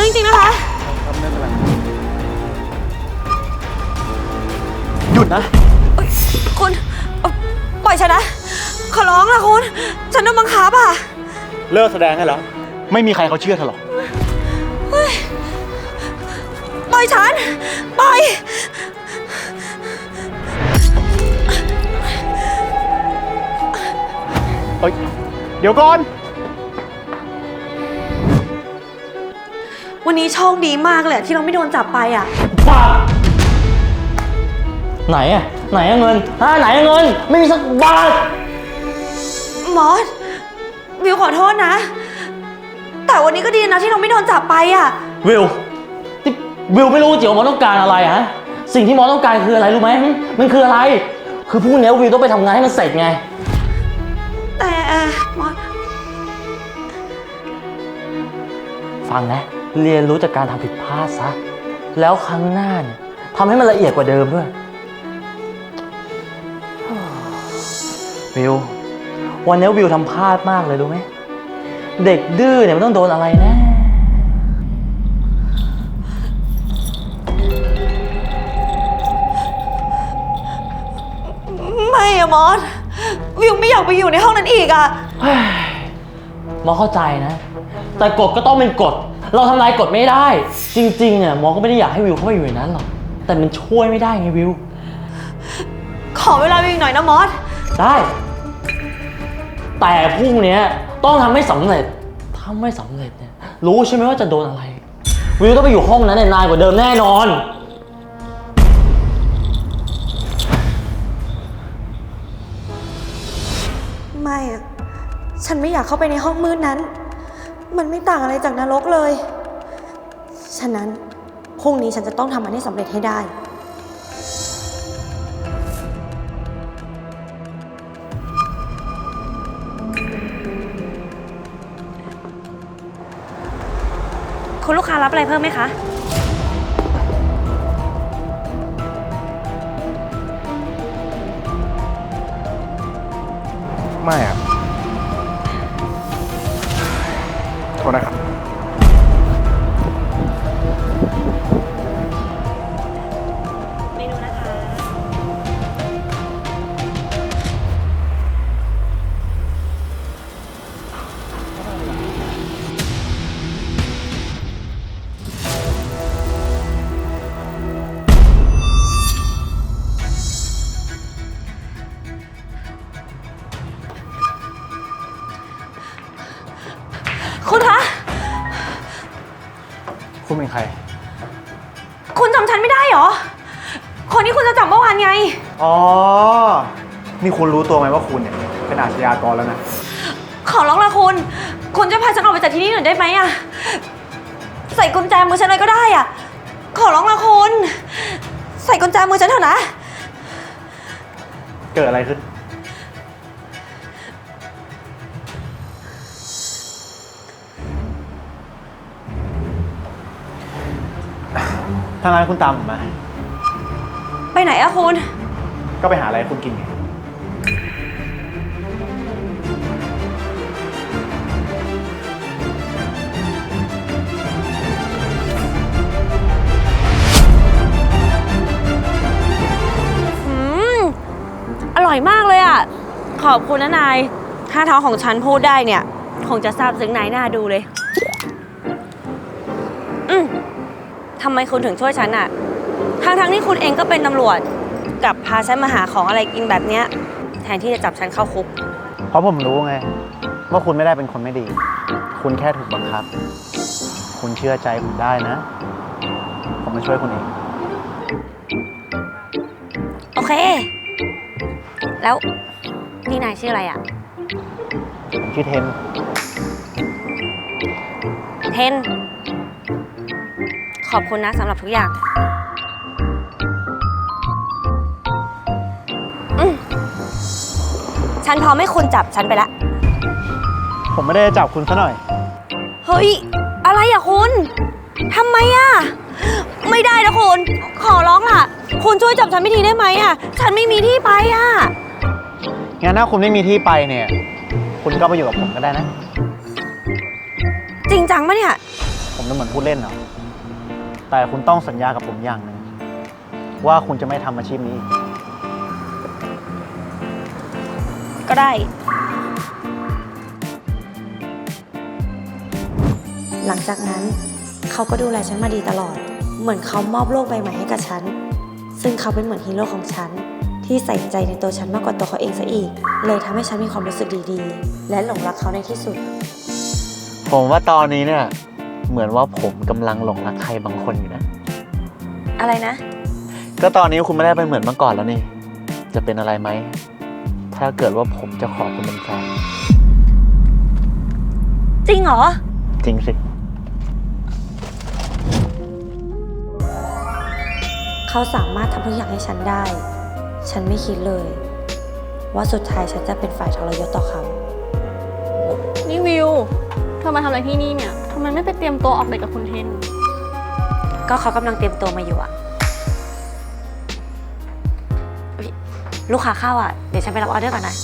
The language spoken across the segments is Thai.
รื่องจริงนะคะครับไม่เป็นไรหยุดนะคุณปล่อยฉันนะขอร้องนะคุณฉันโดนบังคับอ่ะเลิกแสดงได้แล้วไม่มีใครเขาเชื่อเธอหรอกปล่อยฉันปล่อยเดี๋ยวก่อนวันนี้โชคดีมากเลยที่เราไม่โดนจับไปอ่ะบ้าไหนอะไหนอะเงินไหนอะเงินไม่มีสักบาทมอสวิวขอโทษนะแต่วันนี้ก็ดีนะที่เราไม่โดนจับไปอ่ะวิววิวไม่รู้จริงว่าหมอต้องการอะไรฮะสิ่งที่หมอต้องการคืออะไรรู้ไหมมันคืออะไรคือพรุ่งนี้วิวต้องไปทำงานให้มันเสร็จไงแต่มอสฟังนะเรียนรู้จากการทำผิดพลาดซะแล้วครั้งหน้าเนี่ยทำให้มันละเอียดกว่าเดิมด้วยวิววันนี้วิวทำพลาดมากเลยรู้ไหมเด็กดื้อเนี่ยมันต้องโดนอะไรแน่ไม่อะมอสวิวไม่อยากไปอยู่ในห้องนั้นอีกอะหมอเข้าใจนะแต่กฎก็ต้องเป็นกฎเราทำลายกฎไม่ได้จริงๆเนี่ยหมอก็ไม่ได้อยากให้วิวเข้าไปอยู่ในนั้นหรอกแต่มันช่วยไม่ได้ไงวิวขอเวลาวิวหน่อยนะมอสได้แต่พรุ่งนี้ต้องทำให้สำเร็จถ้าไม่สำเร็จเนี่ยรู้ใช่ไหมว่าจะโดนอะไรวิวต้องไปอยู่ห้องนั้นนานกว่าเดิมแน่นอนไม่อะฉันไม่อยากเข้าไปในห้องมืดนั้นมันไม่ต่างอะไรจากนรกเลยฉะนั้นพรุ่งนี้ฉันจะต้องทำมันให้สำเร็จให้ได้คุณลูกค้ารับอะไรเพิ่มไหมคะไม่อะโทษนะครับเมนูนะคะคุณคะคุณเป็นใครคุณจำฉันไม่ได้เหรอคนที่คุณจะจับเมื่อวานไงอ๋อนี่คุณรู้ตัวไหมว่าคุณเนี่ยเป็นอาชญากรแล้วนะขอร้องละคุณจะพาฉันออกไปจากที่นี่หน่อยได้ไหมอะใส่กุญแจมือฉันเลยก็ได้อะขอร้องละคุณใส่กุญแจมือฉันเถอะนะเกิดอะไรขึ้นถ้างั้นคุณตามผมมาไปไหนอะคุณก็ไปหาอะไรคุณกินไงอร่อยมากเลยอะขอบคุณนะนายถ้าท้องของฉันพูดได้เนี่ยคงจะซาบซึ้งนายหน้าดูเลยทำไมคุณถึงช่วยฉันอะทั้งที่คุณเองก็เป็นตำรวจกับพาฉันมาหาของอะไรกินแบบเนี้ยแทนที่จะจับฉันเข้าคุกเพราะผมรู้ไงว่าคุณไม่ได้เป็นคนไม่ดีคุณแค่ถูกบังคับคุณเชื่อใจผมได้นะผมจะช่วยคุณเองโอเคแล้วนี่นายชื่ออะไรอะผมชื่อเทนขอบคุณนะสำหรับทุกอย่างฉันพร้อมให้คุณจับฉันไปละผมไม่ได้จับคุณซะหน่อยเฮ้ยอะไรอะคุณทำไมอะไม่ได้นะคุณขอร้องล่ะคุณช่วยจับฉันไม่ทีได้ไหมอะฉันไม่มีที่ไปอะงั้นถ้าคุณไม่มีที่ไปเนี่ยคุณก็ไปอยู่กับผมก็ได้นะจริงจังปะเนี่ยผมจะเหมือนพูดเล่นเหรอ แต่คุณต้องสัญญากับผมอย่างหนึ่งว่าคุณจะไม่ทำอาชีพนี้อีกก็ได้ หลังจากนั้นเขาก็ดูแลฉันมาดีตลอด เหมือนเขามอบโลกใบใหม่ให้กับฉัน ซึ่งเขาเป็นเหมือนฮีโร่ของฉัน ที่ใส่ใจในตัวฉันมากกว่าตัวเขาเองซะอีก เลยทำให้ฉันมีความรู้สึกดีๆ และหลงรักเขาในที่สุดผมว่าตอนนี้เนี่ย เหมือนว่าผมกำลังหลงรักใครบางคนอยู่นะอะไรนะก็ตอนนี้คุณไม่ได้เป็นเหมือนเมื่อก่อนแล้วนี่ จะเป็นอะไรไหม ถ้าเกิดว่าผมจะขอคุณเป็นแฟนจริงเหรอจริงสิเขาสามารถทำทุกอย่างให้ฉันได้ ฉันไม่คิดเลย ว่าสุดท้ายฉันจะเป็นฝ่ายทรยศต่อเขานี่วิว เธอมาทำอะไรที่นี่เนี่ย ทำไมไม่ไปเตรียมตัวออกเดทกับคุณเทนก็เขากำลังเตรียมตัวมาอยู่อะอุ๊ยลูกค้าเข้าอะเดี๋ยวฉันไปรับออเดอร์ก่อนนะ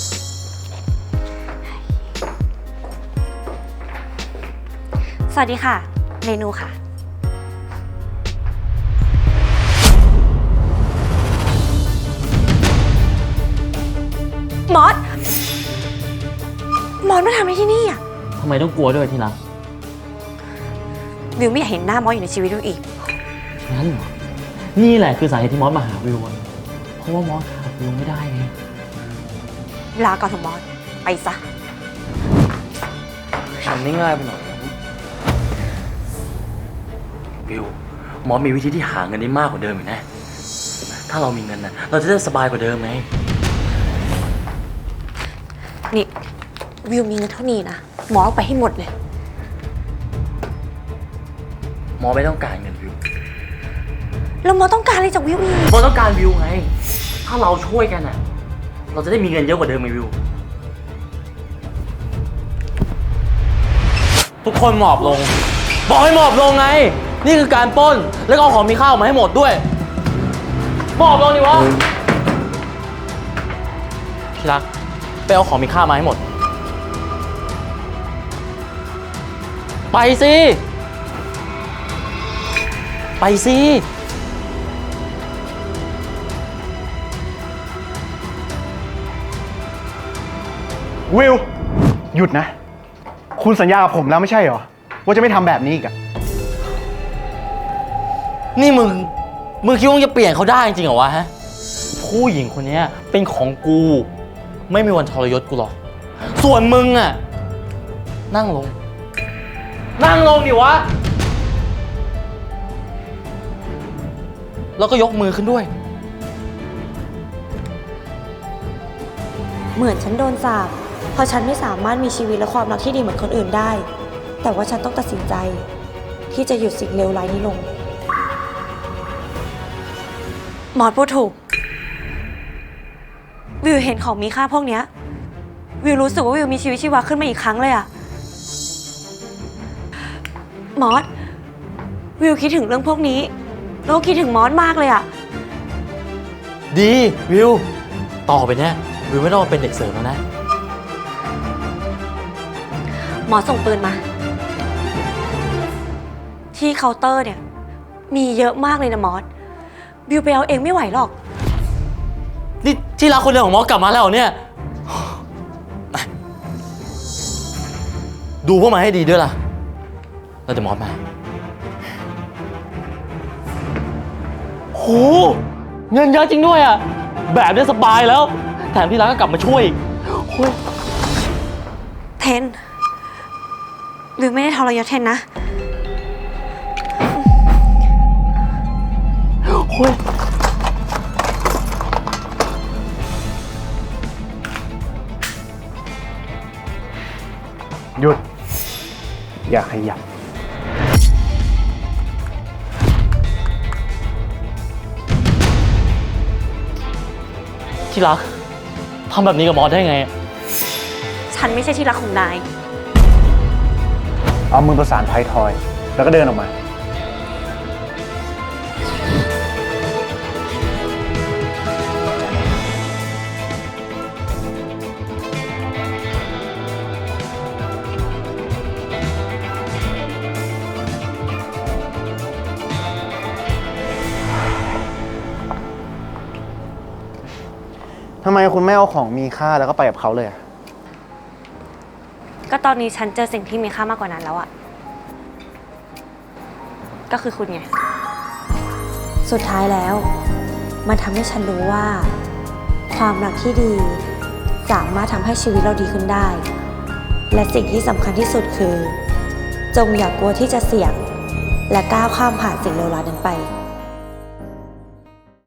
สวัสดีค่ะ เมนูค่ะ มอสมาทำอะไรที่นี่อะทำไมต้องกลัวด้วยที่รักวิวไม่อยากเห็นหน้ามอสอยู่ในชีวิตวิวอีกงั้นเหรอ นี่แหละคือสาเหตุที่มอสมาหาวิวอะเพราะว่ามอสขาดวิวไม่ได้ไงลาก่อนเถอะมอส ไปซะทำได้ง่ายไปหน่อยวิว มอสมีวิธีที่หาเงินได้มากกว่าเดิมอีกนะ ถ้าเรามีเงินนะเราจะได้สบายกว่าเดิมไงนี่ วิวมีเงินเท่านี้นะมอสเอาไปให้หมดเลยมอสไม่ต้องการเงินวิวแล้วมอสต้องการอะไรจากวิวอีกมอสต้องการวิวไง ถ้าเราช่วยกันน่ะ เราจะได้มีเงินเยอะกว่าเดิมไงวิว ทุกคนหมอบลง บอกให้หมอบลงไง นี่คือการปล้น แล้วก็เอาของมีค่าออกมาให้หมดด้วย หมอบลงดิวะที่รัก ไปเอาของมีค่ามาให้หมด ไปสิ ไปสิวิว หยุดนะ คุณสัญญากับผมแล้วไม่ใช่เหรอ ว่าจะไม่ทำแบบนี้อีกอะนี่มึงคิดว่ามึงจะเปลี่ยนเขาได้จริงเหรอวะฮะ ผู้หญิงคนนี้เป็นของกู ไม่มีวันทรยศกูหรอก ส่วนมึงอะนั่งลง นั่งลงดิวะ แล้วก็ยกมือขึ้นด้วยเหมือนฉันโดนสาปเพราะฉันไม่สามารถมีชีวิตและความรักที่ดีเหมือนคนอื่นได้ แต่ว่าฉันต้องตัดสินใจ ที่จะหยุดสิ่งเลวร้ายนี้ลง หมอพูดถูก วิวเห็นของมีค่าพวกเนี้ย วิวรู้สึกว่าวิวมีชีวิตชีวาขึ้นมาอีกครั้งเลยอะมอส วิวคิดถึงเรื่องพวกนี้แล้วก็คิดถึงมอสมากเลยอะดีวิว ต่อไปเนี้ยวิวไม่ต้องมาเป็นเด็กเสิร์ฟแล้วนะหมอส่งปืนมา ที่เคาน์เตอร์เนี่ย มีเยอะมากเลยนะมอส วิวไปเอาเองไม่ไหวหรอกนี่ที่รักคนเดียวของมอสกลับมาแล้วเหรอเนี่ย ดูพวกมันให้ดีด้วยล่ะ เราจะมอสมา โห เงินเยอะจริงด้วยอ่ะ แบบนี้สบายแล้ว แถมที่รักก็กลับมาช่วยอีกโอ้ยเทน วิวไม่ได้ทรยศเทนนะโอ้ยหยุด อย่าขยับที่รักทำแบบนี้กับมอสได้ไงฉันไม่ใช่ที่รักของนายเอามือประสานท้ายทอย แล้วก็เดินออกมาทำไมคุณไม่เอาของมีค่าแล้วก็ไปกับเขาเลยอะก็ตอนนี้ฉันเจอสิ่งที่มีค่ามากกว่านั้นแล้วอะก็คือคุณไง สุดท้ายแล้ว มันทำให้ฉันรู้ว่า ความรักที่ดี สามารถทำให้ชีวิตเราดีขึ้นได้ และสิ่งที่สำคัญที่สุดคือ จงอย่ากลัวที่จะเสี่ยง และก้าวข้ามผ่านสิ่งเลวร้ายนั้นไป